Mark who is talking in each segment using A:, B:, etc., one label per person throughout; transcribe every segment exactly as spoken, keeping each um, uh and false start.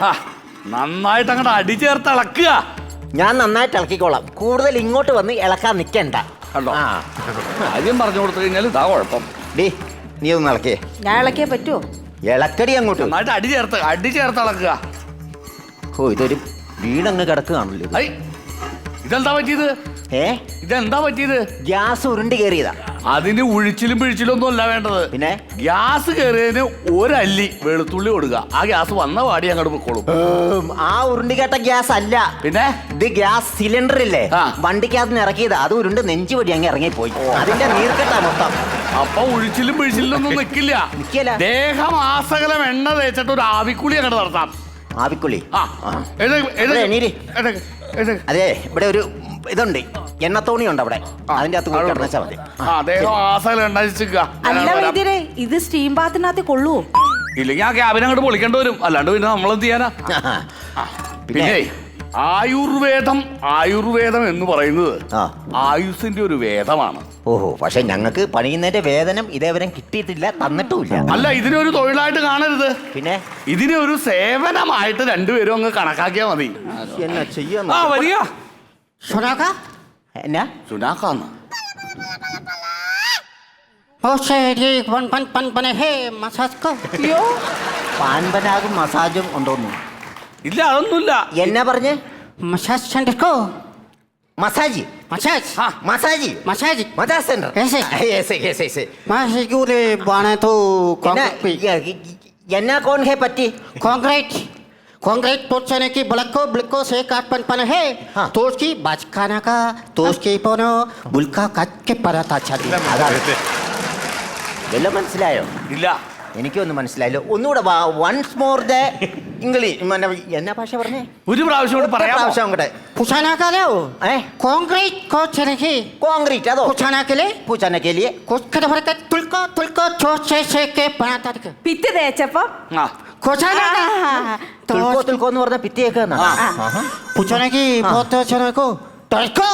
A: നന്നായിട്ട് അങ്ങോട്ട് അടി ചേർത്ത് ഇളക്കുക.
B: ഞാൻ നന്നായിട്ട് ഇളക്കിക്കോളാം. കൂടുതൽ ഇങ്ങോട്ട് വന്ന് ഇളക്കാൻ നിൽക്കണ്ട.
A: കണ്ടോ, ആദ്യം പറഞ്ഞു കൊടുത്തു കഴിഞ്ഞാൽ ഇതാ കുഴപ്പം.
B: ഡേ, നീ ഒന്ന് ഇളക്കേ.
C: ഞാൻ ഇളക്കിയാ പറ്റുമോ?
B: ഇളക്കടി അങ്ങോട്ട്.
A: നന്നായിട്ട് അടി ചേർത്ത് അടി ചേർത്ത് ഇളക്കുക.
B: ഓ, ഇതൊരു വീടങ്ങ് കിടക്കുകയാണല്ലോ.
A: ഐ, ഇതെന്താ പറ്റിയത്?
B: ഏ,
A: ഇതെന്താ പറ്റിയത്?
B: ഗ്യാസ് ഉരുണ്ട് കയറിയതാ.
A: അതിന് ഉഴിച്ചിലും പിഴിച്ചിലും ഒന്നും അല്ല വേണ്ടത്.
B: പിന്നെ
A: ഗ്യാസ് കയറിയതിന് ഒരല്ലി വെളുത്തുള്ളി കൊടുക്കുക. ആ ഗ്യാസ് വന്ന പാടി അങ്ങോട്ട് പൊക്കോളും.
B: ആ ഉരുണ്ടി കേട്ട ഗ്യാസ് അല്ല.
A: പിന്നെ
B: ഇത് ഗ്യാസ് സിലിണ്ടർ ഇല്ലേ,
A: ആ.
B: വണ്ടിക്കകത്ത് നിന്ന് ഇറക്കിയത്. അത് ഉരുണ്ട് നെഞ്ചു വഴി അങ്ങ് ഇറങ്ങിപ്പോയി. അതിന്റെ നീർക്കെട്ടാ മൊത്തം.
A: അപ്പൊ ഉഴിച്ചിലും പിഴിച്ചിലും ഒന്നും നിക്കില്ല.
B: നിക്കില്ല.
A: ദേഹമാസകലം എണ്ണ തേച്ചിട്ട് ഒരു ആവിക്കുളി അങ്ങോട്ട് നടത്താം.
B: ആവിക്കുള്ളി.
A: ആ, എഴുന്നേക്ക്, എഴുന്നേക്ക്,
B: എണീര്.
A: എഴുന്നേക്ക്, എഴുന്നേക്ക്.
B: അതെ, ഇവിടെ ഒരു ഇതുണ്ട്, എണ്ണത്തോണി ഉണ്ട് അവിടെ. അതിന്റെ അകത്ത് പോയി കിടന്നാ മതി.
A: ആ, ദേഹം ആസകലം എണ്ണ വെച്ചിരിക്കുക.
C: അല്ല വൈദ്യരെ, ഇത് സ്റ്റീം ബാത്തിനകത്ത് കൊള്ളുവോ?
A: ഇല്ലെങ്കിൽ ആ ക്യാബിനെ അങ്ങോട്ട് പൊളിക്കേണ്ടി വരും. അല്ലാണ്ട് പിന്നെ നമ്മളെന്ത് ചെയ്യാനാ? പിന്നെ ആയുർവേദം ആയുർവേദം എന്ന് പറയുന്നത്
B: ആ.
A: ആയുസിന്റെ ഒരു വേദമാണ്.
B: ഓഹോ, പക്ഷെ ഞങ്ങൾക്ക് പണിയുന്നതിന്റെ വേതനം ഇതേവരെ കിട്ടിയിട്ടില്ല, തന്നിട്ടുമില്ല.
A: അല്ല, ഇതിനൊരു തൊഴിലായിട്ട് കാണരുത്.
B: പിന്നെ
A: ഇതിനെ ഒരു സേവനമായിട്ട് രണ്ടുപേരും അങ്ങ് കണക്കാക്കിയാ മതി.
B: എന്നാ ചെയ്യാ?
A: ആ, വരിക.
B: സുനാക്ക എന്നാ
A: സുനാക്കാന്ന്
B: പാൻപനാകും മസാജും ഉണ്ടോന്നു?
A: ഇല്ല, അതൊന്നുമില്ല.
B: എന്നാ പറഞ്ഞ്?
D: मसाज सेंटर को
B: മസാജ്
D: मसाज
A: हाँ
B: മസാജ്
D: मसाज
B: മസാജ് സെന്റർ.
D: ऐसे
B: ऐसे ऐसे ऐसे
D: मासी गुले बाने तो
B: എന്നാ എന്നാ കോൺ ഹേ പറ്റി?
D: कांक्रीट कांक्रीट पोचने की ब्लको ब्लको से काट पन पन है
B: हाँ।
D: तो उसकी बाजखाना का तो उसकी पोनो बुलका काट के पराता छाती
B: വല്ലതും മനസ്സിലായോ?
A: ഇല്ല,
B: എനിക്കൊന്നും മനസ്സിലായില്ലോ. ഒന്നുകൂടെ വൺസ് മോർ ദ ഇംഗ്ലീഷ്. എന്നാ ഭാഷ പറഞ്ഞേ?
A: ഒരു പ്രാവശ്യം കൂടെ പറയാമോ?
B: പ്രാവശ്യം കൂടെ.
D: पुछाना का लो
B: ഏ,
D: कांक्रीट को चने की
B: കോൺക്രീറ്റ് അതോ?
D: पुछाना के लिए
B: പൂച്ചാനെ കേലിയെ
D: कुछ कर भर के तुलको तुलको चोट से से के पराता के
C: പിറ്റ് തേച്ചപ്പോ
A: ആ,
D: कोचाना तो
B: തുൽക്കോ തുൽക്കോ എന്ന് പറഞ്ഞ പിത്തിയേക്കാ.
D: पूछने की बहुत चने को तुलको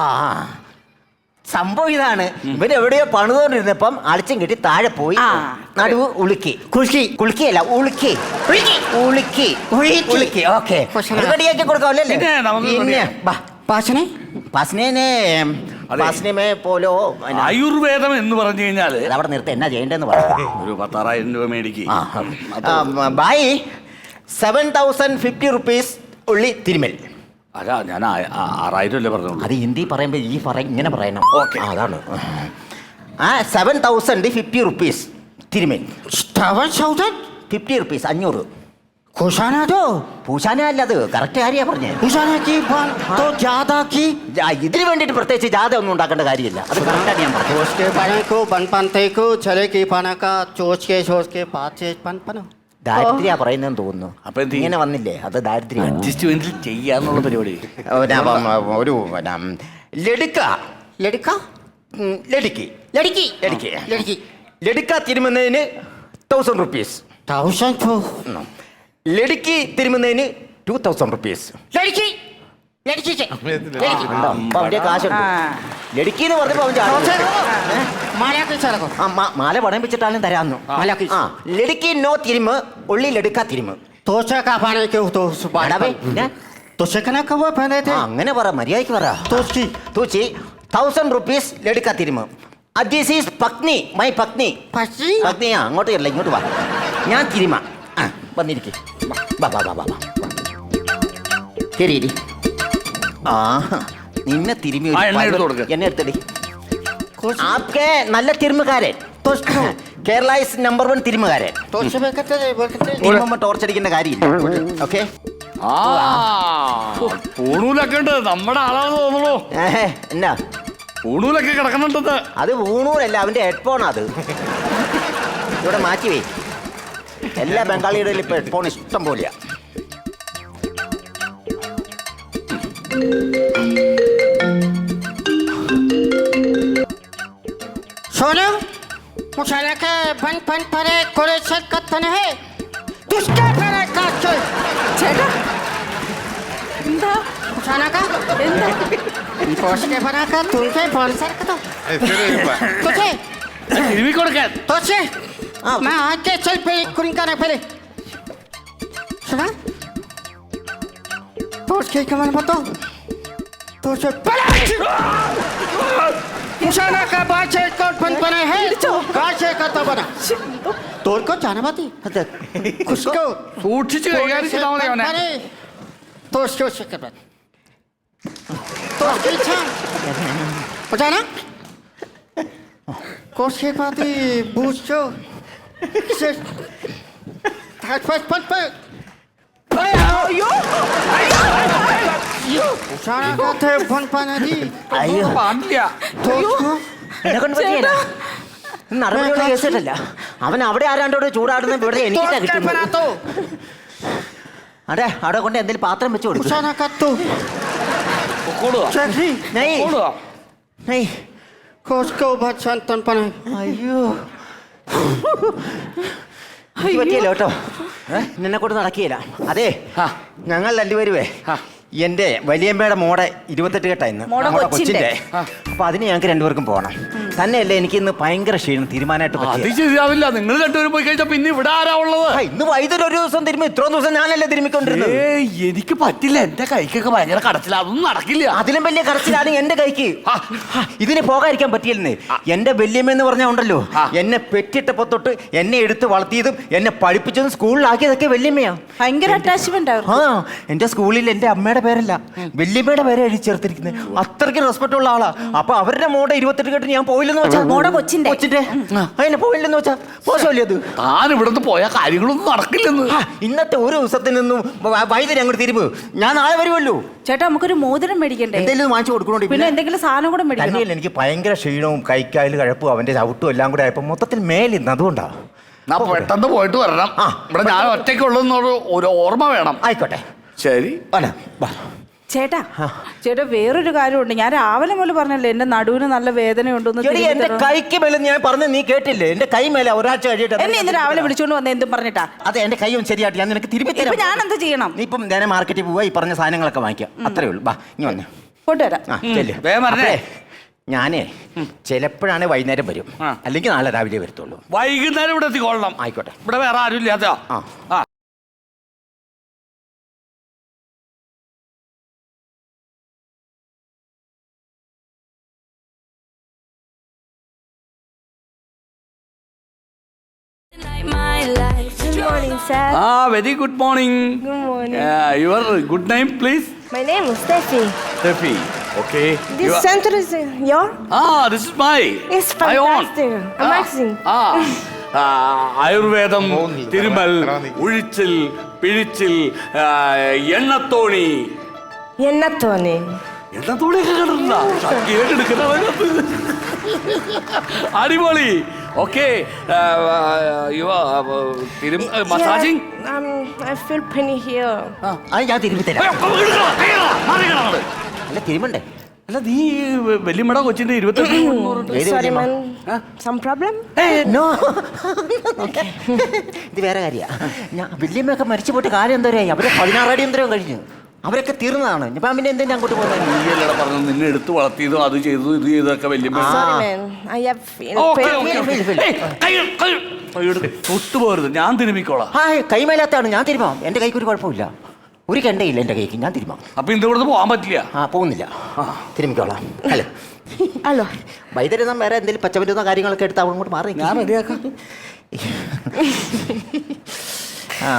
B: സംഭവം ഇതാണ്. ഇവര് എവിടെയോ പണിതുകൊണ്ടിരുന്നപ്പം അളിച്ചും കെട്ടി താഴെ പോയി.
C: ആ.
B: നടുവ് ഉളുക്കി. കുളുക്കി കുളുക്കിയല്ല ഉളുക്കി ഉളുക്കി ഉളുക്കി. ഓക്കെ, റെഡിയാക്കി കൊടുക്കാമല്ലേ?
A: പിന്നെ നമുക്ക്
B: പിന്നെ
A: റെഡിയാ.
B: ബാ,
D: पासने
B: പാസ്നേനെ പാസ്നേമേ പോലോ.
A: ആയുർവേദം എന്ന് പറഞ്ഞു കഴിഞ്ഞാല്
B: അവിടെ നിർത്തി എന്നാ ചെയ്യേണ്ടതെന്ന് പറയാം.
A: ഒരു പത്താറായിരം രൂപ മേടിക്ക്.
B: ബായി സെവൻ തൗസൻഡ് ഫിഫ്റ്റി റുപ്പീസ് ഉള്ളി തിരുമൽ.
A: അല്ല, ഞാൻ ആ- ആ- ആറായിരം അല്ലേ പറഞ്ഞോളൂ.
B: അത് ഹിന്ദി പറയുമ്പോ ഈ പറ ഇങ്ങനെ പറയണം.
A: ഓക്കെ.
B: ആ, അതാണ്. ആ സെവൻ തൗസൻഡ് ഫിഫ്റ്റി റുപ്പീസ് തിരുമൽ.
D: सेवन थाउजेंड
B: ഫിഫ്റ്റി റുപ്പീസ് അഞ്ഞൂറ്.
D: कोशाना दो
B: പൂശാന അല്ല, അത് കറക്റ്റ് കാര്യമാണ് പറഞ്ഞേ.
D: पूछाने की बन तो ज्यादा की
B: ജാ- ഇതിന് വേണ്ടിയിട്ട് പ്രത്യേകിച്ച് ജാഥ ഒന്നും ഉണ്ടാക്കേണ്ട കാര്യമില്ല. അത് കറക്റ്റാണ് ഞാൻ പറഞ്ഞത്.
D: चोच के पाने को बन पानते को चले की पाना का चोच के चोच के पाँच से पन पनो
B: ദാരിദ്ര്യ പറയുന്നതെന്ന് തോന്നുന്നു.
A: അപ്പൊ എന്ത് ചെയ്യും?
B: ഇങ്ങനെ വന്നില്ലേ, അത് ദാരിദ്ര്യം.
A: അഡ്ജസ്റ്റ്മെന്റിൽ ചെയ്യാന്നുള്ള പരിപാടി.
B: ഒരു ലടുക്ക
D: लड़का
B: ഉം, ലടുക്കി
D: लड़की
B: ലടുക്കി
D: लड़की
B: ലടുക്ക തിരുമുന്നതിന് തൗസൻഡ് റുപ്പീസ്.
D: थाउजेंड तो
B: ലടുക്കി തിരുമുന്നതിന് ടു തൗസൻഡ് റുപ്പീസ്.
D: लड़की लड़की से लड़की
B: അവന്റെ കാശുണ്ട്. ലടുക്കി എന്ന് പറഞ്ഞപ്പോ അവന്റെ
D: थाउजेंड
B: ആള്.
D: माला के चला को
B: ആ, മ- മാല പണയം വെച്ചിട്ടാലും തരാന്നു.
D: മാല-
B: ആ, ലടുക്കി നോ തിരുമ് ഉള്ളി ലടുക്ക തിരുമ്.
D: तो से का पाने के तो
B: എടാ ബേ, ഞാൻ
D: तो से कना कब पहने थे
B: ആ, അങ്ങനെ പറ, മര്യാദയ്ക്ക് പറ.
D: तो उसकी
B: തൂച്ചി തൗസൻഡ് റുപ്പീസ് ലടുക്ക തിരുമ്. ദിസ് ഈസ് പത്നി, മൈ പത്നി.
D: पची
B: പത്നിയാ, അങ്ങോട്ട് ഇല്ല, ഇങ്ങോട്ട് വാ. ഞാൻ തിരുമ. ആ, വന്നിരിക്കും. വാ വാ വാ വാ വാ. ശരി. ആ, നിന്നെ തിരുമി ഒരു
A: ആ, എണ്ണ എടുത്ത്
B: പരുവ-
A: കൊടുക്ക്.
B: എന്നെ എടുത്തടി. ആപ്കെ നല്ല തിരുമുകാരൻ. കേരള ഇസ് നമ്പർ വൺ തിരുമുകാരൻ.
D: तो से कहते थे बोलते
B: തിരുമുമ്പ ടോർച്ചടിക്കേണ്ട കാര്യമില്ല. ഓക്കെ.
A: ആ, പൂണൂലൊക്കെ ഉണ്ട്. നമ്മുടെ ആളാണെന്ന് തോന്നുള്ളൂ.
B: എന്നാ
A: പൂണൂലൊക്കെ കിടക്കുന്നുണ്ടത്.
B: അത് ഊണൂരല്ല, അവന്റെ ഹെഡ്ഫോൺ. അത് ഇവിടെ മാറ്റി വേ. എല്ലാ ബംഗാളിയുടെ ഇപ്പൊ ഹെഡ്ഫോൺ ഇഷ്ടം പോലെയാ.
D: सोनू मुशाला के बन बन परे कोरे से कत्तन है तुझके परे का चल
C: ചേട്ടാ, എന്താ
D: मुशाला का
C: എന്താ?
D: पोस्ट के बना का तुमसे स्पॉन्सर का तो तुझे
A: തിരുമി കൊടുക്കാൻ.
D: तुझे
B: हाँ।
D: मैं आज के चल पे कुरिंका ना पहले सुना उसके कमर बताओ तो उसे मुशाना का बाचे कोट बन बना है काशे का तो बना तोर को जाना बाती
B: അതെ
D: उसको
A: സൂക്ഷിച്ച് കൈകാര്യം ചെയ്താൽ മതി അവനെ
D: तो उसके उसके कर तो उसकी इच्छा मुझाना कोशे बाती बूझो से थाट फस पन पर मुशाना का थे बन पाना दी
B: അയ്യോ
A: പാടില്ല
D: तो उसको
B: എന്നെ കൊണ്ട് പറ്റിയല്ല നടപടിയുള്ള കേസിട്ടല്ല അവൻ അവിടെ ആരാണ്ടോട് ചൂടാടുന്ന ഇവിടെ
D: तो
B: എനിക്കിട്ടാ
D: उसके बना
B: കിട്ടുന്നത്
D: तो
B: അതെ അവിടെ കൊണ്ട് എന്തെങ്കിലും പാത്രം വെച്ച് കൊടുക്കും
D: मुशाना का तो
A: പൊക്കോളുക
D: चेकी
A: പൊക്കോളുക
D: कोस को बच्चन तन पना
B: അയ്യോ എനിക്ക് പറ്റിയല്ലോ കേട്ടോ നിന്നെ കൊണ്ട് നടക്കുകയില്ല അതെ
A: ആ.
B: ഞങ്ങൾ രണ്ടുപേരുവേ
A: ആ.
B: എന്റെ വലിയമ്മയുടെ മോടെ ഇരുപത്തെട്ട് കെട്ടാ ഇന്ന്
C: മോടെ
B: മോടെ
C: കൊച്ചിന്റെ.
B: കൊച്ചിന്റെ അപ്പൊ അതിന് ഞങ്ങൾക്ക് രണ്ടുപേർക്കും പോകണം തന്നെയല്ലേ എനിക്ക് ഇന്ന് ഭയങ്കര ക്ഷീണം തീരുമാനമായിട്ട്
A: അത്
B: പറ്റിയ
A: ശരിയാവില്ല നിങ്ങൾ രണ്ടുപേരും പോയി കഴിച്ചാ പിന്നെ ഇവിടെ ആരാ ഉള്ളത്
B: ഇന്ന് വൈദ്യുതി ഒരു ദിവസം തിരുമ്പി ഇത്രയും ദിവസം ഞാനല്ലേ തിരുമ്മിക്കൊണ്ടിരുന്നത്
A: ഏയ് എനിക്ക് പറ്റില്ല എന്റെ കൈക്കൊക്കെ ഭയങ്കര കടച്ചില്ല അതൊന്നും നടക്കില്ല
B: അതിലും വലിയ കറച്ചിലാണ് എന്റെ കൈക്ക്
A: ആ.
B: ആ, ഇതിന് പോകാതിരിക്കാൻ പറ്റിയില്ലെന്നേ എന്റെ വല്യമ്മ എന്ന് പറഞ്ഞാൽ ഉണ്ടല്ലോ
A: ആ.
B: എന്നെ പെറ്റിട്ടപ്പോ തൊട്ട് എന്നെ എടുത്ത് വളർത്തിയതും എന്നെ പഠിപ്പിച്ചതും സ്കൂളിലാക്കിയതൊക്കെ വല്യമ്മയാ
C: ഭയങ്കര അറ്റാച്ച്മെന്റ്
B: ആ എന്റെ സ്കൂളിൽ എന്റെ അമ്മയുടെ പേരല്ല വല്യമ്മയുടെ പേരെ എഴുതി ചേർത്തിരിക്കുന്നത് അത്രയ്ക്ക് റെസ്പെക്ട് ഉള്ള ആളാ അപ്പൊ അവരുടെ മോടെ ഇരുപത്തെട്ട് കെട്ട് ഞാൻ പോയില്ലെന്ന് വെച്ചാ
C: മോടെ കൊച്ചിന്റെ.
B: കൊച്ചിന്റെ അതിനെ പോയില്ലെന്ന് വെച്ചാ മോശമല്ലേ അത്
A: താൻ ഇവിടുന്ന് പോയ കാര്യങ്ങളൊന്നും നടക്കില്ലെന്ന്
B: ആ, ഇന്നത്തെ ഒരു ദിവസത്തിൽ നിന്നും വ- വൈദ്യുതി അങ്ങോട്ട് തിരുമ്പ് ഞാൻ നാളെ വരുമല്ലോ
C: ചേട്ടാ നമുക്കൊരു മോതിരം മേടിക്കണ്ടേ
B: എന്തെങ്കിലും വാങ്ങിച്ചു കൊടുക്കണോണ്ട്
C: പിന്നെ എന്തെങ്കിലും സാധനം കൂടെ മേടിക്കണം
B: തന്നെയല്ല എനിക്ക് ഭയങ്കര ക്ഷീണവും കൈക്കായൽ കഴപ്പും അവന്റെ ചവിട്ടും എല്ലാം കൂടെ ആയപ്പോ മൊത്തത്തിൽ മേലിന്ന് അതുകൊണ്ടാ
A: ഞാൻ പെട്ടെന്ന് പോയിട്ട് വരണം
B: ആ.
A: ഇവിടെ ഞാൻ ഒറ്റയ്ക്കുള്ളതെന്നൊരു ഒരു ഓർമ്മ വേണം
B: ആയിക്കോട്ടെ
A: ശരി
B: അല്ല വാ.
C: ചേട്ടാ
B: ആ.
C: ചേട്ടാ വേറൊരു കാര്യമുണ്ട് ഞാൻ രാവിലെ മുതൽ പറഞ്ഞല്ലേ എന്റെ നടുവിന് നല്ല വേദനയുണ്ടെന്ന്
B: എടി, എന്റെ കൈക്ക് മേലെ ഞാൻ പറഞ്ഞ നീ കേട്ടില്ലേ എന്റെ കൈ മേലെ ഒരാഴ്ച കഴിയിട്ട്
C: എന്നെ ഇന്ന് രാവിലെ വിളിച്ചോണ്ട് വന്ന എന്തും പറഞ്ഞിട്ടാ
B: അതെ എന്റെ കൈ ഒന്ന് ശരിയായിട്ട് ഞാൻ നിനക്ക് തിരുമ്പി
C: ഇപ്പൊ
B: തരാം
C: ഞാൻ എന്ത് ചെയ്യണം
B: നീ ഇപ്പം നേരെ മാർക്കറ്റിൽ പോവാ ഈ പറഞ്ഞ സാധനങ്ങളൊക്കെ വാങ്ങിക്കാം അത്രേ ഉള്ളൂ ബാ ഇനി വന്നേ
C: കൊണ്ടുവരാം
B: ആ ചെല്ല്.
A: വേഗം വരണേ.
B: അപ്പഴേ, ഞാനേ ചിലപ്പോഴാണ് വൈകുന്നേരം വരും
A: ആ.
B: അല്ലെങ്കിൽ നാളെ രാവിലെ വരത്തുള്ളൂ
A: വൈകുന്നേരം ഇവിടെ എത്തിക്കൊള്ളണം
B: ആയിക്കോട്ടെ
A: ഇവിടെ വേറെ ആരും ഇല്ലാത്ത
B: ആ.
A: ആ
E: My life. Good morning, sir.
A: ആ very good morning
E: Good morning.
A: Your good name please
E: My name is Steffi.
A: Steffi okay
E: This center is uh, your?
A: ആ this is my
E: It's fantastic. Amazing.
A: ആ ആ, ആയുർവേദം തിരുമൽ ഉഴിച്ചിൽ പിഴിച്ചിൽ ആ, എണ്ണത്തോണി
E: Yenatoni.
A: എണ്ണത്തോണിയൊക്കെ കണ്ടിട്ടുണ്ടോ? ഷക്കീലൊക്കെ എടുക്കുന്നവരത്. അടിപൊളി okay massaging
E: Yeah, um, I feel pain here.
B: അത് ഞാൻ തിരുമ്പി തരാം അല്ല തിരുമ്പണ്ടേ
A: അല്ല നീ വല്യമ്മയുടെ കൊച്ചിന്റെ ഇരുപത്തെട്ട്
B: ഏത്
E: Sorry,
B: വല്യമ്മ?
E: man. Some problem?
B: നോ ഇത് വേറെ കാര്യ ഞാൻ വല്യമ്മയൊക്കെ മരിച്ചു പോയിട്ട് കാര്യം എന്തോരായി അവരെ പതിനാറടി എന്തോരം കഴിഞ്ഞു അവരൊക്കെ തീർന്നതാണ് ഇപ്പം പിന്നെ എന്തെങ്കിലും അങ്ങോട്ട് പോകുന്നത്
A: നീയല്ലടാ പറഞ്ഞു നിന്നെ എടുത്ത് വളർത്തിയതും അത് ചെയ്തു ഇത് ചെയ്തൊക്കെ വല്യമ്മ
E: Sorry, man. I have feel
A: okay
E: pain.
A: Okay
B: feel, feel.
A: തൊട്ടുപോരുത് ഞാൻ തിരുമിക്കോളാം
B: ആ കൈമേലാത്താണ് ഞാൻ തിരുമാം എൻ്റെ കൈക്ക് ഒരു കുഴപ്പമില്ല ഒരു കെണ്ടയില്ല എൻ്റെ കൈക്ക് ഞാൻ തിരുമാം
A: അപ്പൊ ഇന്ന് ഇവിടുന്ന് പോകാൻ പറ്റില്ല
B: ആ പോകുന്നില്ല തിരുമിക്കോളാം ഹലോ
E: Hello.
B: വൈദ്യുതി വേറെ എന്തെങ്കിലും പച്ചമരുന്നോ കാര്യങ്ങളൊക്കെ എടുത്ത് അവിടെ അങ്ങോട്ട് മാറി
A: ഞാൻ റെഡിയാക്കാം
B: ആ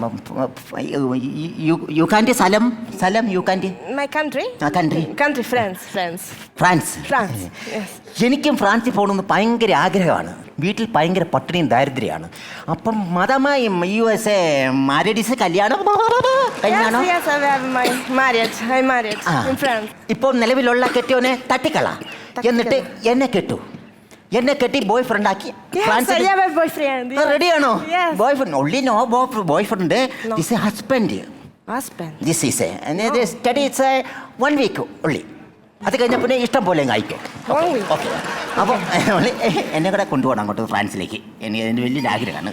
B: യുക്കാൻ്റെ സ്ഥലം സ്ഥലം യുക്കാൻ്റെ
E: My country?
B: ആ country
E: Country, France. France.
B: France
E: France. Yes.
B: എനിക്കും ഫ്രാൻസിൽ പോകണമെന്ന് ഭയങ്കര ആഗ്രഹമാണ് വീട്ടിൽ ഭയങ്കര പട്ടിണിയും ദാരിദ്ര്യമാണ് അപ്പം മതമായി യു എസ് എ മാരഡീസ് കല്യാണം കല്യാണം
E: Yes, yes, I have my marriage. I married
B: ആ.
E: in France.
B: ഇപ്പോൾ നിലവിലുള്ള കെട്ടിയോനെ തട്ടിക്കള എന്നിട്ട് എന്നെ കെട്ടു എന്നെ കെട്ടി ബോയ് ഫ്രണ്ട് ആക്കി
E: Yes, I have a boyfriend. Yes.
B: റെഡിയാണോ
E: Yes.
B: Boyfriend only no boyfriend
E: No.
B: This husband
E: Husband.
B: This is study it's one week only അത് കഴിഞ്ഞ പിന്നെ ഇഷ്ടം പോലെ അയക്കും
E: One week.
B: ഓക്കെ അപ്പോൾ എന്നെ കൂടെ കൊണ്ടുപോകണം അങ്ങോട്ട് ഫ്രാൻസിലേക്ക് എനിക്ക് എൻ്റെ വലിയൊരു ആഗ്രഹമാണ്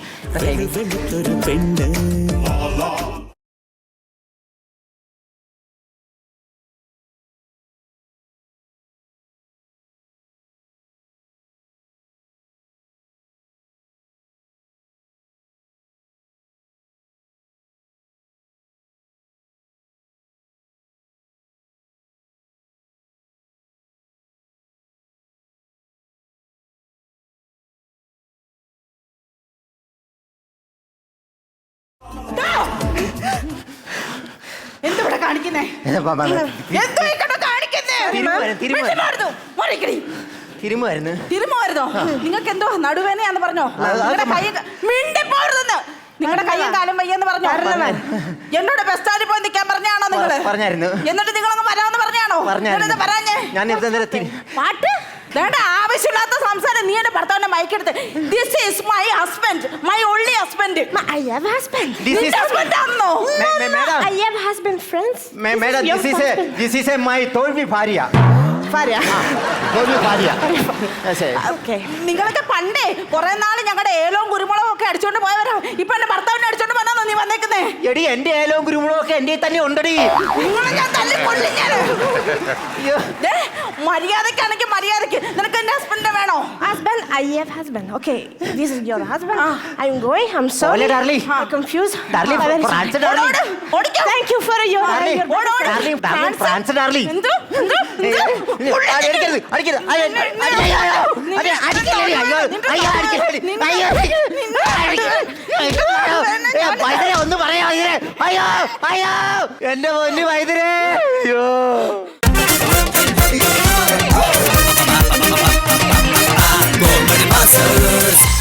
C: കാണിക്കുന്നേ എന്തോ ഇക്കടെ കാണിക്കുന്നേ
B: തിരുമ്മുവായിരുന്നു, തിരുമ്മുവായിരുന്നു.
C: വിഷമായിരുന്നു. മാറിക്കടി.
B: തിരുമായിരുന്നു.
C: തിരുമ്മുവായിരുന്നോ നിങ്ങൾക്ക് എന്തോ നടുവേനയാന്ന് പറഞ്ഞോ
B: അത്
C: നിങ്ങളുടെ കൈ മിണ്ടിപ്പോരുതെന്ന് നിങ്ങളുടെ കയ്യും കാലും വയ്യെന്ന് പറഞ്ഞോ എന്നോട് ബസ് സ്റ്റാൻഡിൽ പോയി നിൽക്കാൻ പറഞ്ഞാണോ നിങ്ങള്
B: പറഞ്ഞായിരുന്നു.
C: എന്നിട്ട് നിങ്ങളങ്ങ് വരാമെന്ന് പറഞ്ഞാണോ
B: പറഞ്ഞായിരുന്നു.
C: നിങ്ങളെന്താ പറഞ്ഞേ
B: ഞാൻ ഇവിടെ നേരെ തിരി-
C: പാട്ട് വേണ്ട ആവശ്യമില്ലാത്ത സംസാരം നീ എന്റെ ഭർത്താവിന്റെ മയക്കെടുത്ത് this is my husband my only husband
E: I have husband.
B: This is-
C: husband ആണോ
B: മേ- മേ- madam.
E: I have husband, friends.
B: മേ- madam,
E: This
B: this
E: is
B: is
E: your
B: a-
E: husband.
B: this is a my തോൽവി ഭാര്യ.
E: ഭാര്യ.
B: തോൽവി ഭാര്യ. Yes, yes.
E: Okay.
C: നിങ്ങളൊക്കെ പണ്ടേ കുറെ നാള് ഞങ്ങളുടെ ഏലവും കുരുമുളകും ഒക്കെ അടിച്ചോണ്ട് പോയവരാ ഇപ്പൊ എന്റെ ഭർത്താവിനെ അടിച്ചോണ്ട് വന്നാന്നോ നീ വന്നേക്കുന്നേ
B: എടി എന്റെ ഏലവും കുരുമുളകും ഒക്കെ എന്റെ തന്നെ ഉണ്ടടി.
C: നിങ്ങളെ ഞാൻ തല്ലിക്കൊല്ലും ഞാൻ.
B: അയ്യോ.
C: ദേ, മര്യാദക്കാണെങ്കിൽ മര്യാദക്ക് നിനക്ക് എന്റെ ഹസ്ബൻഡിനെ വേണോ
E: Husband, I have husband. Okay, this is your husband. I'm going. I'm sorry.
B: Ole, darling.
E: I'm confused.
B: Darling,
E: I'm very
B: France,
E: sorry.
B: darling.
C: ഓടോട്, ഓടിക്കോ.
E: Thank you for your.
B: Darling,
E: your
C: ഓട്, ഓട്.
B: darling, darling,
C: France.
B: France, darling.
C: എന്തോ, എന്തോ, എന്തോ?
B: ആ, അടിക്കരുത്, അടിക്കരുത്. അയ്യോ, അയ്യോ, അയ്യോ, അയ്യോ. അയ്യോ, അടിക്കരുത്, അയ്യോ, അയ്യോ, അടിക്കരുത്. അയ്യോ, അയ്യോ, അയ്യോ, വൈദ്യരെ ഒന്ന് പറയാ വൈദ്യരെ. അയ്യോ, അയ്യോ, എന്റെ പൊന്നു വൈദ്യരെ. അയ്യോ.
F: Comedy Masters